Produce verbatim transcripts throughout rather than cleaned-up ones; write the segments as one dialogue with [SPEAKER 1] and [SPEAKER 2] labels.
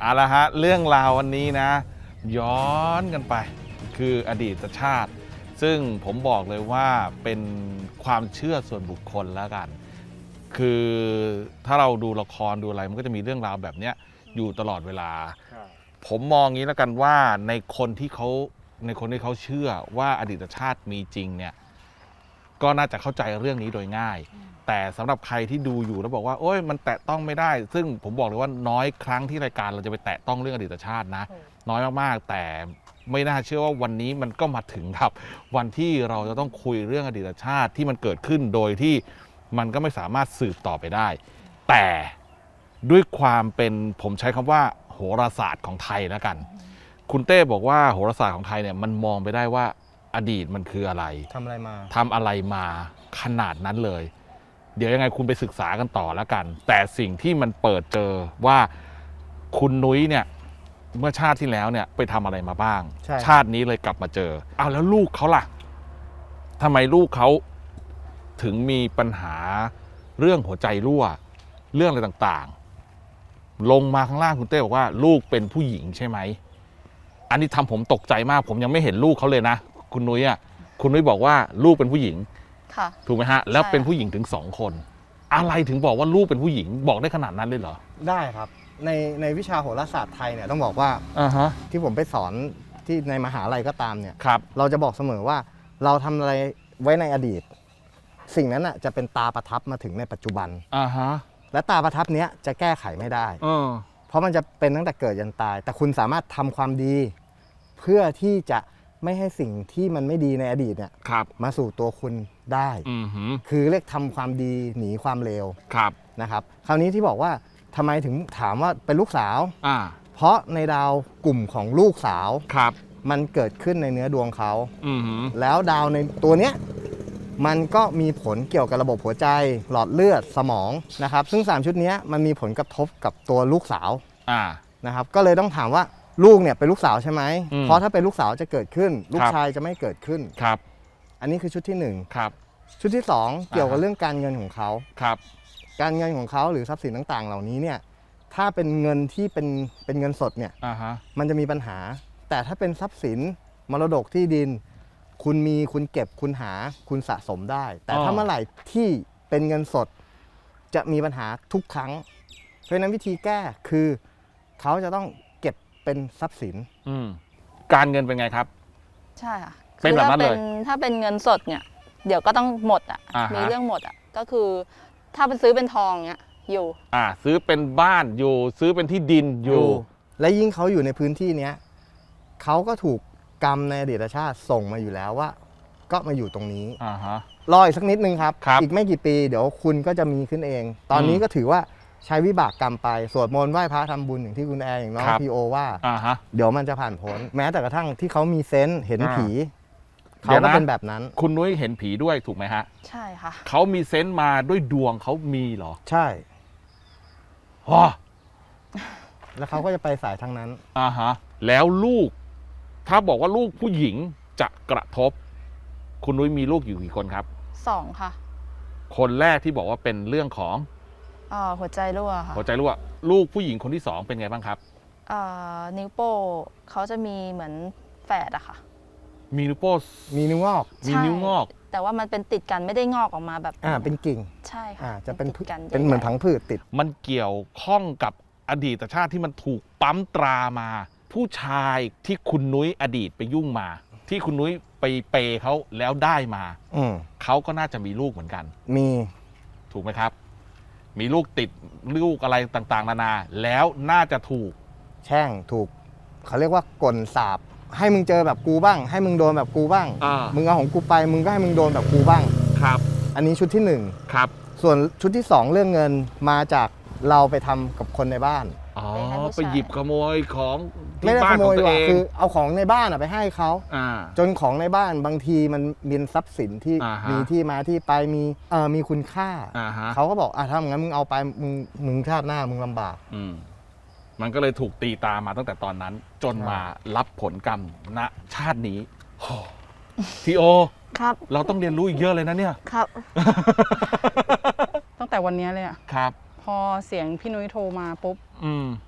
[SPEAKER 1] เอาละฮะเรื่องราววันนี้นะย้อนกันไปคืออดีตชาติซึ่งผมบอกเลยว่าเป็นความเชื่อส่วนบุคคลแล้วกันคือถ้าเราดูละครดูอะไรมันก็จะมีเรื่องราวแบบนี้อยู่ตลอดเวลาผมมองงี้แล้วกันว่าในคนที่เขาในคนที่เขาเชื่อว่าอดีตชาติมีจริงเนี่ยก็น่าจะเข้าใจเรื่องนี้โดยง่ายแต่สำหรับใครที่ดูอยู่แล้วบอกว่าโอ้ยมันแตะต้องไม่ได้ซึ่งผมบอกเลยว่าน้อยครั้งที่รายการเราจะไปแตะต้องเรื่องอดีตชาตินะน้อยมากๆแต่ไม่น่าเชื่อว่าวันนี้มันก็มาถึงครับวันที่เราจะต้องคุยเรื่องอดีตชาติที่มันเกิดขึ้นโดยที่มันก็ไม่สามารถสืบต่อไปได้แต่ด้วยความเป็นผมใช้คำว่าโหราศาสตร์ของไทยแล้วกันคุณเต้บอกว่าโหราศาสตร์ของไทยเนี่ยมันมองไปได้ว่าอดีตมันคืออะไร
[SPEAKER 2] ทำอะไรมา
[SPEAKER 1] ทำอะไรมาขนาดนั้นเลยเดี๋ยวยังไงคุณไปศึกษากันต่อแล้วกันแต่สิ่งที่มันเปิดเจอว่าคุณนุ้ยเนี่ยเมื่อชาติที่แล้วเนี่ยไปทำอะไรมาบ้างชาตินี้เลยกลับมาเจอเอาแล้วลูกเขาล่ะทำไมลูกเขาถึงมีปัญหาเรื่องหัวใจรั่วเรื่องอะไรต่างๆลงมาข้างล่างคุณเต้บอกว่าลูกเป็นผู้หญิงใช่ไหมอันนี้ทำผมตกใจมากผมยังไม่เห็นลูกเขาเลยนะคุณนุ้ยอ่ะคุณนุ้ยบอกว่าลูกเป็นผู้หญิงถูกไหมฮะแล้วเป็นผู้หญิงถึงสองคนอะไรถึงบอกว่าลูกเป็นผู้หญิงบอกได้ขนาดนั้นเลยเหรอ
[SPEAKER 2] ได้ครับในในวิชาโหราศาสตร์ไทยเนี่ยต้องบอกว่า
[SPEAKER 1] uh-huh.
[SPEAKER 2] ที่ผมไปสอนที่ในมหาลัยก็ตามเนี่ย
[SPEAKER 1] ครับ
[SPEAKER 2] เราจะบอกเสมอว่าเราทำอะไรไว้ในอดีตสิ่งนั้นอ่ะจะเป็นตาประทับมาถึงในปัจจุบัน
[SPEAKER 1] uh-huh.
[SPEAKER 2] และตาประทับเนี้ยจะแก้ไขไม่ได้
[SPEAKER 1] uh.
[SPEAKER 2] เพราะมันจะเป็นตั้งแต่เกิดยันตายแต่คุณสามารถทำความดีเพื่อที่จะไม่ให้สิ่งที่มันไม่ดีในอดีตเนี่ยมาสู่ตัวคุณได้
[SPEAKER 1] uh-huh.
[SPEAKER 2] คือเรียกทำความดีหนีความเลวนะครับคราวนี้ที่บอกว่าทำไมถึงถามว่าเป็นลูกสาวเพราะในดาวกลุ่มของลูกสาวมันเกิดขึ้นในเนื้อดวงเขาแล้วดาวในตัวเนี้ยมันก็มีผลเกี่ยวกับระบบหัวใจหลอดเลือดสมองนะครับซึ่งสามชุดนี้มันมีผลกระทบกับตัวลูกสาวนะครับก็เลยต้องถามว่าลูกเนี่ยเป็นลูกสาวใช่ไหมเพราะถ้าเป็นลูกสาวจะเกิดขึ้นลูกชายจะไม่เกิดขึ้น
[SPEAKER 1] ครับ
[SPEAKER 2] อันนี้คือชุดที่หนึ่ง
[SPEAKER 1] ครับ
[SPEAKER 2] ชุดที่สองเกี่ยวกับเรื่องการเงินของเขา
[SPEAKER 1] ครับ
[SPEAKER 2] การเงินของเขาหรือทรัพย์สินต่างๆเหล่านี้เนี่ยถ้าเป็นเงินที่เป็นเป็นเงินสดเนี่ย
[SPEAKER 1] uh-huh.
[SPEAKER 2] มันจะมีปัญหาแต่ถ้าเป็นทรัพย์สินมรดกที่ดินคุณมีคุณเก็บคุณหาคุณสะสมได้แต่
[SPEAKER 1] uh.
[SPEAKER 2] ถ้าเมื่อไหร่ที่เป็นเงินสดจะมีปัญหาทุกครั้งเพราะฉะนั้นวิธีแก้คือเขาจะต้องเก็บเป็นทรัพย์สิน
[SPEAKER 1] การเงินเป็นไงครับ
[SPEAKER 3] ใช่ค่ะ
[SPEAKER 1] เป็นแบบนั้นเลย
[SPEAKER 3] ถ้าเป็นเงินสดเนี่ยเดี๋ยวก็ต้องหมดอ่ะ
[SPEAKER 1] uh-huh.
[SPEAKER 3] มีเรื่องหมดอ่ะก็คือถ้าเป็นซื้อเป็นทองเนี่ยอยู่
[SPEAKER 1] อ่าซื้อเป็นบ้านอยู่ซื้อเป็นที่ดินอยู่
[SPEAKER 2] และยิ่งเขาอยู่ในพื้นที่เนี้ยเขาก็ถูกกรรมในอดีตชาติส่งมาอยู่แล้วว่าก็มาอยู่ตรงนี้
[SPEAKER 1] อ่าฮะ
[SPEAKER 2] รออีกสักนิดนึงครับอีกไม่กี่ปีเดี๋ยวคุณก็จะมีขึ้นเองตอนนี้ก็ถือว่าใช้วิบากกรรมไปสวดมนต์ไหว้พระทำบุญอย่างที่คุณแอร์อย่างน้องพีโอว่าเดี๋ยวมันจะผ่านพ้นแม้แต่กระทั่งที่เขามีเซนส์เห็นผีเขาก็เป็นแบบนั้น
[SPEAKER 1] คุณนุ้ยเห็นผีด้วยถูกไหมฮะ
[SPEAKER 3] ใช่ค่ะ
[SPEAKER 1] เขามีเซนส์มาด้วยดวงเขามีเหรอ
[SPEAKER 2] ใช่
[SPEAKER 1] ฮะ
[SPEAKER 2] แล้วเขาก็จะไปสายทางนั้น
[SPEAKER 1] อ่าฮะแล้วลูกถ้าบอกว่าลูกผู้หญิงจะกระทบคุณนุ้ยมีลูกอยู่กี่คนครับ
[SPEAKER 3] สองค่ะ
[SPEAKER 1] คนแรกที่บอกว่าเป็นเรื่องของ
[SPEAKER 3] อ่าหัวใจรั่วค่ะ
[SPEAKER 1] หัวใจรั่วลูกผู้หญิงคนที่สองเป็นไงบ้างครับ
[SPEAKER 3] อ่านิ้วโป้เขาจะมีเหมือนแฝดอะค่ะ
[SPEAKER 1] มีนิ้วโป้
[SPEAKER 2] มีนิ้วงอก
[SPEAKER 1] มีนิ้วงอก
[SPEAKER 3] แต่ว่ามันเป็นติดกันไม่ได้งอกออกมาแบบ
[SPEAKER 2] อ่าเป็นกิ่ง
[SPEAKER 3] ใช่ค่ะ
[SPEAKER 2] อ่าจะเป็นเป็นเหมือนผังผืดติด
[SPEAKER 1] มันเกี่ยวข้องกับอดีตชาติที่มันถูกปั๊มตรามาผู้ชายที่คุณนุ้ยอดีตไปยุ่งมาที่คุณนุ้ยไปเปย์เขาแล้วได้มาเขาก็น่าจะมีลูกเหมือนกัน
[SPEAKER 2] มี
[SPEAKER 1] ถูกไหมครับมีลูกติดลูกอะไรต่างๆนานาแล้วน่าจะถูก
[SPEAKER 2] แช่งถูกเขาเรียกว่ากลสาบให้มึงเจอแบบกูบ้างให้มึงโดนแบบกูบ้างมึงเอาของกูไปมึงก็ให้มึงโดนแบบกูบ้าง
[SPEAKER 1] ครับ
[SPEAKER 2] อันนี้ชุดที่หนึ่ง
[SPEAKER 1] ครับ
[SPEAKER 2] ส่วนชุดที่สองเรื่องเงินมาจากเราไปทำกับคนในบ้าน
[SPEAKER 1] อ๋อไปหยิบขโมยของ
[SPEAKER 2] ที่บ้านของตัวเองคือเอาของในบ้านไปให้เขาจนของในบ้านบางทีมันมีทรัพย์สินที่มีที่มาที่ไปมีเอ่อมีคุณค่าเขาก็บอกอ่ะถ้างั้นมึงเอาไปมึงมึงชาติหน้ามึงลำบาก
[SPEAKER 1] มันก็เลยถูกตีตามาตั้งแต่ตอนนั้นจนมารับผลกรรมณชาตินี้ทีโอ
[SPEAKER 3] ครับ
[SPEAKER 1] เราต้องเรียนรู้อีกเยอะเลยนะเนี่ย
[SPEAKER 3] ครับตั้งแต่วันนี้เลยอ่ะ
[SPEAKER 1] ครับ
[SPEAKER 3] พอเสียงพี่นุ้ยโทรมาปุ๊บเข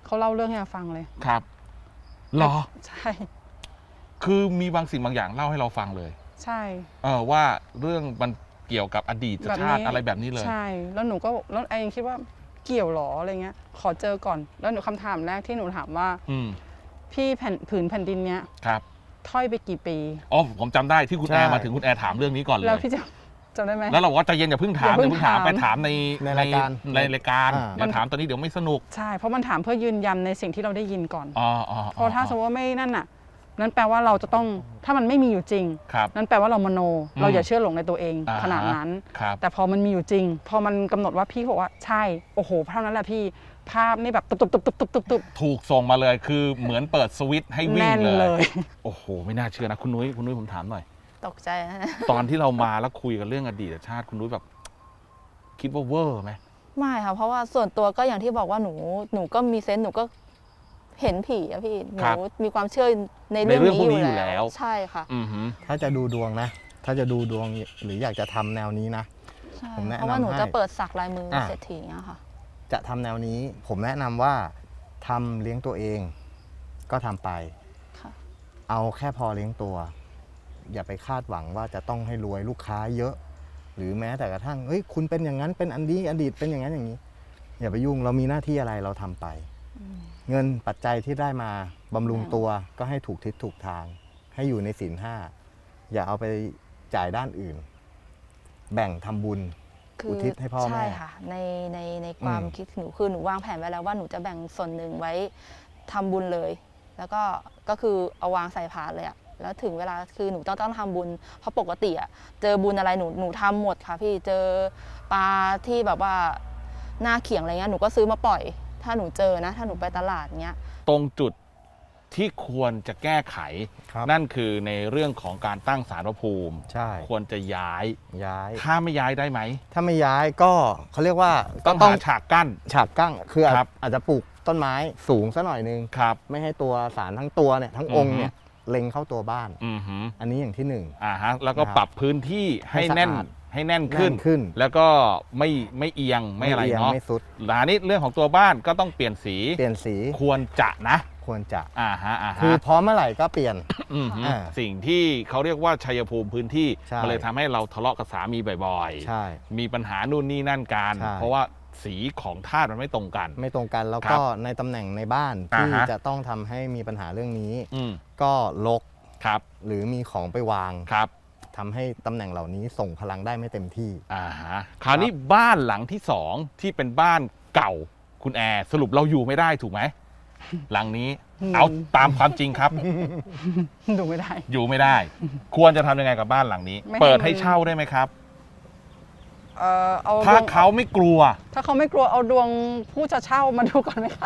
[SPEAKER 4] เขาเล่าเรื่องให้เราฟังเลย
[SPEAKER 1] ครับเหรอ
[SPEAKER 4] ใช่
[SPEAKER 1] คือมีบางสิ่งบางอย่างเล่าให้เราฟังเลย
[SPEAKER 4] ใช่
[SPEAKER 1] เออว่าเรื่องมันเกี่ยวกับอดีต
[SPEAKER 4] แบบ
[SPEAKER 1] ชาติ
[SPEAKER 4] นี้
[SPEAKER 1] อะไรแบบนี้เลย
[SPEAKER 4] ใช่แล้วหนูก็แล้วไอ้ยังคิดว่าเกี่ยวหรออะไรเงี้ยขอเจอก่อนแล้วหนูคำถามแรกที่หนูถามว่า
[SPEAKER 1] อืม
[SPEAKER 4] พี่แผ่นผืนแผ่นดินเนี้ย
[SPEAKER 1] ครับ
[SPEAKER 4] ถ้อยไปกี่ปี
[SPEAKER 1] อ๋อผมจำได้ที่คุณ
[SPEAKER 2] ใช่
[SPEAKER 1] แอร์มาถึงคุณแอร์ถามเรื่องนี้ก่อนเล
[SPEAKER 4] แล้ว
[SPEAKER 1] ย
[SPEAKER 4] พี่จะจำได้ไหม
[SPEAKER 1] แล้วเราก็ใจเย็นอย่าเพิ่งถาม
[SPEAKER 4] อย่าเพิ่ง
[SPEAKER 1] เพิ่งถาม
[SPEAKER 4] ถาม
[SPEAKER 1] ไปถามใน
[SPEAKER 2] ในรายการ
[SPEAKER 1] ในรายการ
[SPEAKER 2] อ่า
[SPEAKER 1] อย่าถามตอนนี้เดี๋ยวไม่สนุก
[SPEAKER 4] ใช่เพราะมันถามเพื่อยืนยันในสิ่งที่เราได้ยินก่อน
[SPEAKER 1] อ๋ออ๋อ
[SPEAKER 4] เพราะถ้าสมมติว่าไม่นั่นน่ะนั้นแปลว่าเราจะต้องถ้ามันไม่มีอยู่จริง
[SPEAKER 1] ครับ
[SPEAKER 4] นั้นแปลว่าเรามโน
[SPEAKER 1] อืม
[SPEAKER 4] เราอย่าเชื่อหลงในตัวเอง
[SPEAKER 1] อ่าฮะ
[SPEAKER 4] ขนาดนั้น
[SPEAKER 1] ครับ
[SPEAKER 4] แต่พอมันมีอยู่จริง พอมันกำหนดว่าพี่บอกว่าใช่โอ้โหเท่านั้นแหละพี่ภาพนี่แบบตุบตุบตุบตุบตุบตุบตุบ
[SPEAKER 1] ถูกส่งมาเลยคือเหมือนเปิดสวิตช์ให้วิ่ง
[SPEAKER 4] แน่น
[SPEAKER 1] เล
[SPEAKER 4] เลย ย
[SPEAKER 1] โอ้โห ไม่น่าเชื่อนะคุณนุ้ยคุณนุ้ยผมถามหน่อย
[SPEAKER 3] ตกใจนะ
[SPEAKER 1] ตอนที่เรามาแล้วคุยกันเรื่องอดีตชาติคุณนุ้ยแบบ คิดว่าเวอร์ไหม
[SPEAKER 3] ไม่ค่ะเพราะว่าส่วนตัวก็อย่างที่บอกว่าหนูหนูก็มีเซนส์หนูก็เห็นผีอะพี่หนูมีความเชื่อในเรื่องนี้อยู่แล้วใช่ค่ะ
[SPEAKER 1] อือหือ
[SPEAKER 2] ถ้าจะดูดวงนะ ถ้าจะดูดวงหรืออยากจะทำแนวนี้นะ
[SPEAKER 3] ใช่
[SPEAKER 2] ผมแนะนำ
[SPEAKER 3] เพราะว่าหนู
[SPEAKER 2] ให้
[SPEAKER 3] จะเปิดสักลายมืออะ
[SPEAKER 2] อ่ะ
[SPEAKER 3] เศรษฐีอย่างเงี้ยค่ะ
[SPEAKER 2] จะทำแนวนี้ ผมแนะนำว่าทำเลี้ยงตัวเอง ก็ทำไป
[SPEAKER 3] ค่ะ
[SPEAKER 2] เอาแค่พอเลี้ยงตัว อย่าไปคาดหวังว่าจะต้องให้รวยลูกค้าเยอะ หรือแม้แต่กระทั่งเฮ้ยคุณเป็นอย่างนั้นเป็นอันนี้อดีตเป็นอย่างนั้นอย่างนี้ อย่าไปยุ่งเรามีหน้าที่อะไรเราทำไป เงินปัจจัยที่ได้มาบำรุงตัวก็ให้ถูกทิศถูกทาง ให้อยู่ในศีลห้าอย่าเอาไปจ่ายด้านอื่น แบ่งทำบุญ อุทิศให้พ่อแม่
[SPEAKER 3] ใช่ค่ะในในในความ
[SPEAKER 2] อืม
[SPEAKER 3] คิดหนูคือหนูวางแผนไว้แล้วว่าหนูจะแบ่งส่วนหนึ่งไว้ทำบุญเลย แล้วก็ก็คือเอาวางใส่พานเลยอะแล้วถึงเวลาคือหนูต้องต้องทำบุญเพราะปกติอะเจอบุญอะไรหนูหนูทำหมดค่ะพี่เจอปลาที่แบบว่าหน้าเขียงอะไรเงี้ยหนูก็ซื้อมาปล่อย ถ้าหนูเจอนะถ้าหนูไปตลาดเงี้ย
[SPEAKER 1] ตรงจุดที่ควรจะแก้ไข
[SPEAKER 2] ครับ
[SPEAKER 1] นั่นคือในเรื่องของการตั้งศาลพระภูมิ
[SPEAKER 2] ใช่
[SPEAKER 1] ควรจะย้าย
[SPEAKER 2] ย้าย
[SPEAKER 1] ถ้าไม่ย้ายได้ไหม
[SPEAKER 2] ถ้าไม่ย้ายก็เขาเรียกว่า
[SPEAKER 1] ต้อง
[SPEAKER 2] ก็
[SPEAKER 1] หาฉากกั้น
[SPEAKER 2] ฉากกั้งคืออาจ
[SPEAKER 1] ครับ
[SPEAKER 2] อาจจะปลูกต้นไม้สูงซะหน่อยนึง
[SPEAKER 1] ครับ
[SPEAKER 2] ไม่ให้ตัวสารทั้งตัวเนี่ยทั้งองค์
[SPEAKER 1] อือฮึ
[SPEAKER 2] เนี่ยเล็งเข้าตัวบ้าน
[SPEAKER 1] อือหือ
[SPEAKER 2] อันนี้อย่างที่หนึ่ง
[SPEAKER 1] อ่าฮะแล้วก็
[SPEAKER 2] นะครับ
[SPEAKER 1] ปรับพื้นที่ให้
[SPEAKER 2] ให้สะอาด
[SPEAKER 1] แน่นให้แน่นขึ้น
[SPEAKER 2] แน่นขึ้น
[SPEAKER 1] แล้วก็ไม่ไม่เอียงไม่อะไร
[SPEAKER 2] ยง
[SPEAKER 1] เนาะ
[SPEAKER 2] ไม่สุด
[SPEAKER 1] หลานี้เรื่องของตัวบ้านก็ต้องเปลี่ยนสี
[SPEAKER 2] เปลี่ยนสี
[SPEAKER 1] ควรจะนะ
[SPEAKER 2] ควรจะ
[SPEAKER 1] อ่าฮะอ่า
[SPEAKER 2] คือ
[SPEAKER 1] ฮะ
[SPEAKER 2] พร้อมเมื่อไหร่ก็เปลี่ยน
[SPEAKER 1] อือหือ
[SPEAKER 2] อ่า
[SPEAKER 1] สิ่งที่เขาเรียกว่าชัยภูมิพื้นที่
[SPEAKER 2] ใช่
[SPEAKER 1] มันเลยทำให้เราทะเลาะกับสามีบ่อย
[SPEAKER 2] ใช่
[SPEAKER 1] ๆ มีปัญหานู่นนี่นั่นกัน
[SPEAKER 2] ใช่
[SPEAKER 1] เพราะว่าสีของธาตุมันไม่ตรงกัน
[SPEAKER 2] ไม่ตรงกันแล้ว
[SPEAKER 1] ครั
[SPEAKER 2] ก็
[SPEAKER 1] บ
[SPEAKER 2] ในตำแหน่งในบ้าน
[SPEAKER 1] อ่า
[SPEAKER 2] ที่
[SPEAKER 1] ฮะ
[SPEAKER 2] จะต้องทำให้มีปัญหาเรื่องนี้
[SPEAKER 1] อืม
[SPEAKER 2] ก็ลก
[SPEAKER 1] ครับ
[SPEAKER 2] หรือมีของไปวาง
[SPEAKER 1] ครับ
[SPEAKER 2] ทำให้ตำแหน่งเหล่านี้ส่งพลังได้ไม่เต็มที่
[SPEAKER 1] อ่าฮะคราวนี้บ้านหลังที่สองที่เป็นบ้านเก่าคุณแอร์สรุปเราอยู่ไม่ได้ถูกไหม หลังนี้
[SPEAKER 4] อืม
[SPEAKER 1] เอาตามความจริงครับ
[SPEAKER 4] ดูไม่ได้
[SPEAKER 1] อยู่ไม่ได้ ควรจะทำยังไงกับบ้านหลังนี้
[SPEAKER 4] ไม่ให้
[SPEAKER 1] เปิดให้
[SPEAKER 4] มัน
[SPEAKER 1] เช่าได้ไหมครับ
[SPEAKER 4] เออเอา
[SPEAKER 1] ถ้า
[SPEAKER 4] ดวง
[SPEAKER 1] เขาไม่กลัว
[SPEAKER 4] ถ้าเขาไม่กลัวเอาดวงผู้จะเช่ามาดูก่อนไหมคะ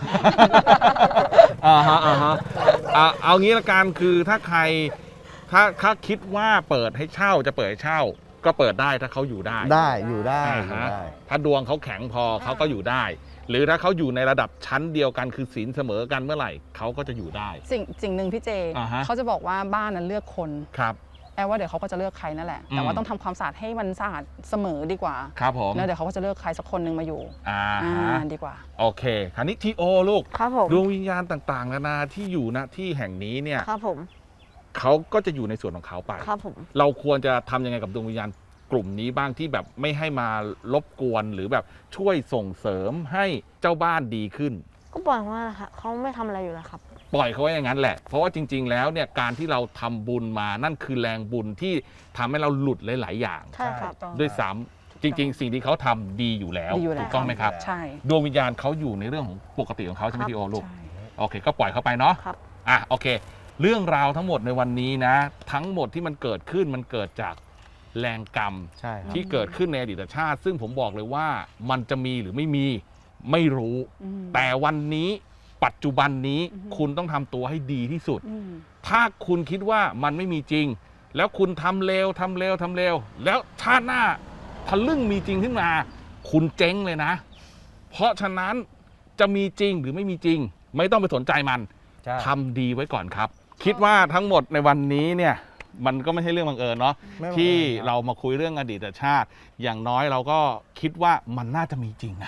[SPEAKER 1] อ่าฮะอ่าฮะอ่ะเอางี้ละกันคือถ้าใครถ้าถ้าคิดว่าเปิดให้เช่าจะเปิดให้เช่า ก็เปิดได้ถ้าเขาอยู่ได้
[SPEAKER 2] ได้อยู่ได้
[SPEAKER 1] อ่า
[SPEAKER 2] อยู่
[SPEAKER 1] ฮะ
[SPEAKER 2] ได้
[SPEAKER 1] ถ้าดวงเขาแข็งพอเขาก็อยู่ได้ หรือถ้าเขาอยู่ในระดับชั้นเดียวกันคือศีลเสมอกันเมื่อไหร่เขาก็จะอยู่ได้
[SPEAKER 4] สิ่งสิ่งหนึ่งพี่เจ
[SPEAKER 1] อ่าฮะ
[SPEAKER 4] เขาจะบอกว่าบ้านนั้นเลือกคน
[SPEAKER 1] ครับ
[SPEAKER 4] แอบว่าเดี๋ยวเขาก็จะเลือกใครนั่นแหละ แต่
[SPEAKER 1] อื
[SPEAKER 4] ว่าม ต้องทำความสะอาดให้มันสะอาดเสมอดีกว่า
[SPEAKER 1] ครับผม
[SPEAKER 4] แล้วเดี๋ยวเขาก็จะเลือกใครสักคนหนึ่งมาอยู่
[SPEAKER 1] อ่า
[SPEAKER 4] อ่า
[SPEAKER 1] ฮะ
[SPEAKER 4] ดีกว่า
[SPEAKER 1] โอเคคราวนี้ทีโอลูก
[SPEAKER 3] ครับผม
[SPEAKER 1] ดวงวิญญาณต่างๆนานาที่อยู่ณที่แห่งนี้เนี่ย
[SPEAKER 3] ครับผม
[SPEAKER 1] เขาก็จะอยู่ในส่วนของเขาไป
[SPEAKER 3] ครับผม
[SPEAKER 1] เราควรจะทำยังไงกับดวงวิญญาณกลุ่มนี้บ้างที่แบบไม่ให้มารบกวนหรือแบบช่วยส่งเสริมให้เจ้าบ้านดีขึ้น
[SPEAKER 5] ก็ปล่อยว่าค่ะเขาไม่ทำอะไรอยู่แล้วครับ
[SPEAKER 1] ปล่อยเขาไว้อย่างนั้นแหละ เพราะว่าจริง ๆ แล้วเนี่ยการที่เราทำบุญมานั่นคือแรงบุญที่ทำให้เราหลุดหลาย ๆ อย่าง
[SPEAKER 5] ใช่ครับ
[SPEAKER 1] ด้วยซ้ำจริง ๆ สิ่งที่เขาทำดีอยู่แล้ว
[SPEAKER 4] ดีอยู่แล้ว
[SPEAKER 1] ถูกต้องไหมครับ
[SPEAKER 4] ใช่
[SPEAKER 1] ดวงวิญญาณเขาอยู่ในเรื่องของปกติของเขาใช่ไหม
[SPEAKER 5] ครับ
[SPEAKER 1] ทีโอลูก
[SPEAKER 4] ใช่
[SPEAKER 1] โอเค ก็ปล่อยเขาไปเนาะ
[SPEAKER 5] ครับ
[SPEAKER 1] อ่ะโอเค เรื่องราวทั้งหมดในวันนี้นะ ทั้งหมดที่มันเกิดขึ้นมันเกิดจากแรงกรรม
[SPEAKER 2] ใช่ครับ
[SPEAKER 1] ที่เกิดขึ้นในอดีตชาติ ซึ่งผมบอกเลยว่ามันจะมีหรือไม่มีไม่รู้
[SPEAKER 4] อืม
[SPEAKER 1] แต่วันนี้ปัจจุบันนี้
[SPEAKER 4] อือฮึ
[SPEAKER 1] คุณต้องทำตัวให้ดีที่สุด
[SPEAKER 4] อืม
[SPEAKER 1] ถ้าคุณคิดว่ามันไม่มีจริง แล้วคุณทำเลวทำเลวทำเลวแล้วชาติหน้าทะลึ่งมีจริงขึ้นมา คุณเจ๊งเลยนะ เพราะฉะนั้นจะมีจริงหรือไม่มีจริง ไม่ต้องไปสนใจมัน
[SPEAKER 2] ใช่
[SPEAKER 1] ทำดีไว้ก่อนครับ คิดว่าทั้งหมดในวันนี้เนี่ยมันก็ไม่ใช่เรื่องบังเอิญเนาะ
[SPEAKER 2] ไม่บังเอิญ
[SPEAKER 1] ที่
[SPEAKER 2] ครับ
[SPEAKER 1] เรามาคุยเรื่องอดีตชาติ อย่างน้อยเราก็คิดว่ามันน่าจะมีจริงนะ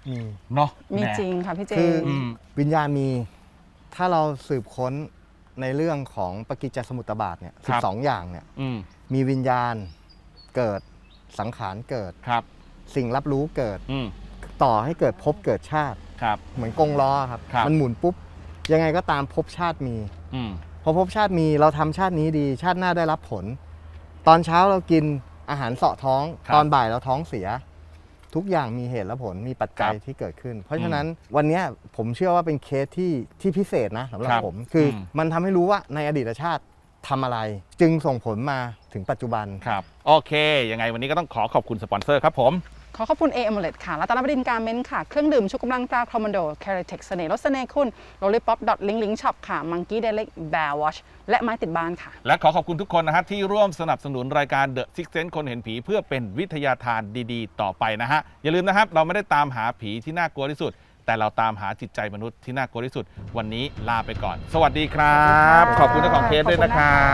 [SPEAKER 2] มี
[SPEAKER 1] เนาะ
[SPEAKER 4] มี
[SPEAKER 1] แห
[SPEAKER 4] จริงค่ะพี่เจ
[SPEAKER 2] คือ
[SPEAKER 1] อืม
[SPEAKER 2] วิญญาณมีถ้าเราสืบค้นในเรื่องของปกิจจสมุตบาทเนี่ย
[SPEAKER 1] ค
[SPEAKER 2] สิ
[SPEAKER 1] รั
[SPEAKER 2] บบ สองอย่างเนี่ย
[SPEAKER 1] อืม
[SPEAKER 2] มีวิญญาณเกิดสังขารเกิด
[SPEAKER 1] ครับ
[SPEAKER 2] สิ่งรับรู้เกิด
[SPEAKER 1] อืม
[SPEAKER 2] ต่อให้เกิดภพเกิดชาติ
[SPEAKER 1] ครับ
[SPEAKER 2] เหมือนกงล้อครับ
[SPEAKER 1] ครับ
[SPEAKER 2] มันหมุนปุ๊บ ยังไงก็ตามภพชาติมี
[SPEAKER 1] อืม
[SPEAKER 2] พอภพชาติมีเราทำชาตินี้ดี ชาติหน้าได้รับผล ตอนเช้าเรากินอาหารเสาะท้อง
[SPEAKER 1] ครับ
[SPEAKER 2] ตอนบ่ายเราท้องเสีย ทุกอย่างมีเหตุและผลมีปัจจัย
[SPEAKER 1] ครับ
[SPEAKER 2] ที่เกิดขึ้น เพราะฉะนั้นวันเนี้ยผมเชื่อว่าเป็นเคสที่ที่พิเศษนะสำหรับ
[SPEAKER 1] ครับ
[SPEAKER 2] ผม คืออ
[SPEAKER 1] ม
[SPEAKER 2] มันทำให้รู้ว่าในอดีตชาติทำอะไร จึงส่งผลมาถึงปัจจุบัน
[SPEAKER 1] ครับ โอเค ยังไงวันนี้ก็ต้องขอขอบคุณสปอนเซอร์ครับผม
[SPEAKER 4] ขอขอบคุณ เอ เอม เลต ค่ะรัตนบดินทร์การเมนต์ค่ะ เครื่องดื่มชูกำลังตราคอมมานโดแคเรเทคเสน่ห์รสเสน่ห์คุณโรลลี่ป๊อปดอทลิงลิงช็อปค่ะมังกี้เดลิกแบร์วอชและไม้ติดบ้านค่ะ
[SPEAKER 1] และขอขอบคุณทุกคนนะฮะที่ร่วมสนับสนุนรายการ The Six Sense คนเห็นผีเพื่อเป็นวิทยาทานดีๆ ต่อไปนะฮะ อย่าลืมนะครับ เราไม่ได้ตามหาผีที่น่ากลัวที่สุด แต่เราตามหาจิตใจมนุษย์ที่น่ากลัวที่สุด วันนี้ลาไปก่อน สวัสดีครับ ขอบคุณเจ้าของเคสด้วยนะครับ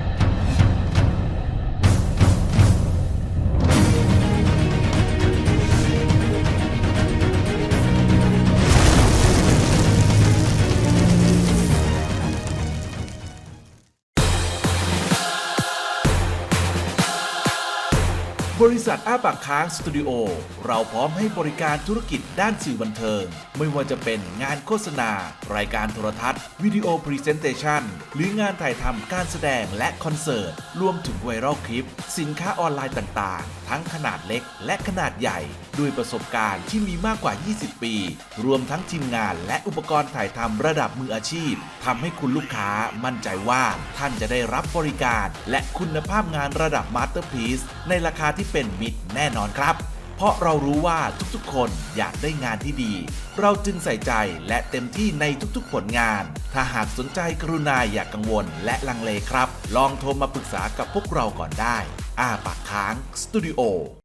[SPEAKER 6] บริษัทอ้าปากค้างสตูดิโอเราพร้อมให้บริการธุรกิจด้านสื่อบันเทิง ไม่ว่าจะเป็นงานโฆษณา รายการโทรทัศน์ วิดีโอพรีเซนเตชันหรืองานถ่ายทำการแสดงและคอนเสิร์ต รวมถึงไวรัลคลิป สินค้าออนไลน์ต่างๆ ทั้งขนาดเล็กและขนาดใหญ่ ด้วยประสบการณ์ที่มีมากกว่า ยี่สิบ ปี รวมทั้งทีมงานและอุปกรณ์ถ่ายทำระดับมืออาชีพทำให้คุณลูกค้ามั่นใจว่าท่านจะได้รับบริการ และคุณภาพงานระดับมาสเตอร์พีซในราคาที่เป็นมิตรแน่นอนครับ เพราะเรารู้ว่าทุกๆคนอยากได้งานที่ดี เราจึงใส่ใจและเต็มที่ในทุกๆผลงาน ถ้าหากสนใจกรุณาอย่ากกังวลและลังเลครับ ลองโทรมาปรึกษากับพวกเราก่อนได้ อ้าปากค้างสตูดิโอ